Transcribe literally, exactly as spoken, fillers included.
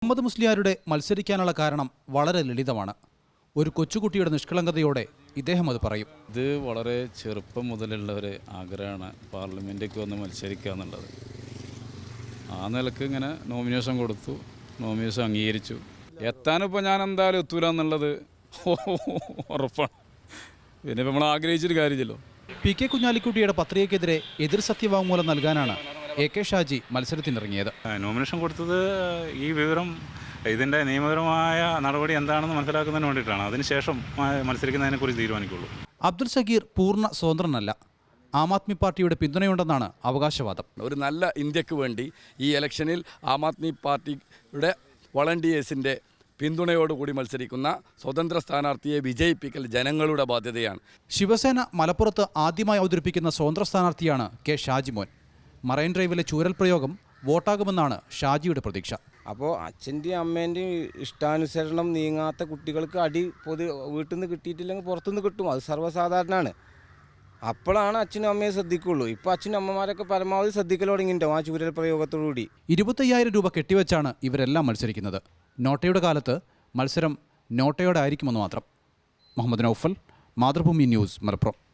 മുഹമ്മദ് മുസ്ലിയാരുടെ മത്സരിക്കാനുള്ള കാരണം വളരെ ലളിതമാണ്. ഒരു കൊച്ചുകുട്ടിയുടെ നിഷ്കളങ്കതയോടെ ഇദ്ദേഹം അത് പറയും. ഇത് വളരെ ചെറുപ്പം മുതലുള്ള ഒരു ആഗ്രഹമാണ് പാർലമെൻറ്റിലേക്ക് വന്ന് മത്സരിക്കുക എന്നുള്ളത്. ആ നിലക്ക് ഇങ്ങനെ നോമിനേഷൻ കൊടുത്തു, നോമിനേഷൻ അംഗീകരിച്ചു. എത്താനിപ്പോൾ ഞാൻ എന്തായാലും എത്തൂല എന്നുള്ളത് ഉറപ്പാണ്. പിന്നെ നമ്മൾ ആഗ്രഹിച്ചൊരു കാര്യമില്ലല്ലോ. പി കെ കുഞ്ഞാലിക്കുട്ടിയുടെ പത്രികയ്ക്കെതിരെ എതിർ സത്യവാങ്മൂലം നൽകാനാണ് എ കെ ഷാജി മത്സരത്തിനിറങ്ങിയത്. നോമിനേഷൻ കൊടുത്തത് ഈ വിവരം ഇതിൻ്റെ നിയമപരമായ നടപടി എന്താണെന്ന് മനസ്സിലാക്കുന്നതിന് വേണ്ടിയിട്ടാണ്. അതിനുശേഷം മത്സരിക്കുന്നതിനെക്കുറിച്ച് തീരുമാനിക്കുള്ളൂ. അബ്ദുൽ സഗീർ പൂർണ്ണ സ്വതന്ത്രനല്ല. ആം ആദ്മി പാർട്ടിയുടെ പിന്തുണയുണ്ടെന്നാണ് അവകാശവാദം. ഒരു നല്ല ഇന്ത്യക്ക് വേണ്ടി ഈ ഇലക്ഷനിൽ ആം ആദ്മി പാർട്ടിയുടെ വളണ്ടിയേഴ്സിൻ്റെ പിന്തുണയോടുകൂടി മത്സരിക്കുന്ന സ്വതന്ത്ര സ്ഥാനാർത്ഥിയെ വിജയിപ്പിക്കൽ ജനങ്ങളുടെ ബാധ്യതയാണ്. ശിവസേന മലപ്പുറത്ത് ആദ്യമായി അവതരിപ്പിക്കുന്ന സ്വതന്ത്ര സ്ഥാനാർത്ഥിയാണ് കെ ഷാജിമോൻ. മറൈൻ ഡ്രൈവിലെ ചൂരൽ പ്രയോഗം വോട്ടാകുമെന്നാണ് ഷാജിയുടെ പ്രതീക്ഷ. അപ്പോൾ അച്ഛൻ്റെയും അമ്മേൻ്റെയും ഇഷ്ടാനുസരണം നീങ്ങാത്ത കുട്ടികൾക്ക് അടി പൊതു വീട്ടിൽ നിന്ന് കിട്ടിയിട്ടില്ലെങ്കിൽ പുറത്തുനിന്ന് കിട്ടും. അത് സർവ്വസാധാരണമാണ്. അപ്പോഴാണ് അച്ഛനും അമ്മയെ ശ്രദ്ധിക്കുള്ളൂ. ഇപ്പോൾ അച്ഛനും അമ്മമാരൊക്കെ പരമാവധി ശ്രദ്ധിക്കൽ തുടങ്ങിയിട്ടുണ്ടാവും ആ ചൂരൽ പ്രയോഗത്തോടുകൂടി. ഇരുപത്തയ്യായിരം രൂപ കെട്ടിവെച്ചാണ് ഇവരെല്ലാം മത്സരിക്കുന്നത്. നോട്ടയുടെ കാലത്ത് മത്സരം നോട്ടയോടെ ആയിരിക്കുമെന്ന് മാത്രം. മുഹമ്മദ് നൗഫൽ, മാതൃഭൂമി ന്യൂസ്, മലപ്പുറം.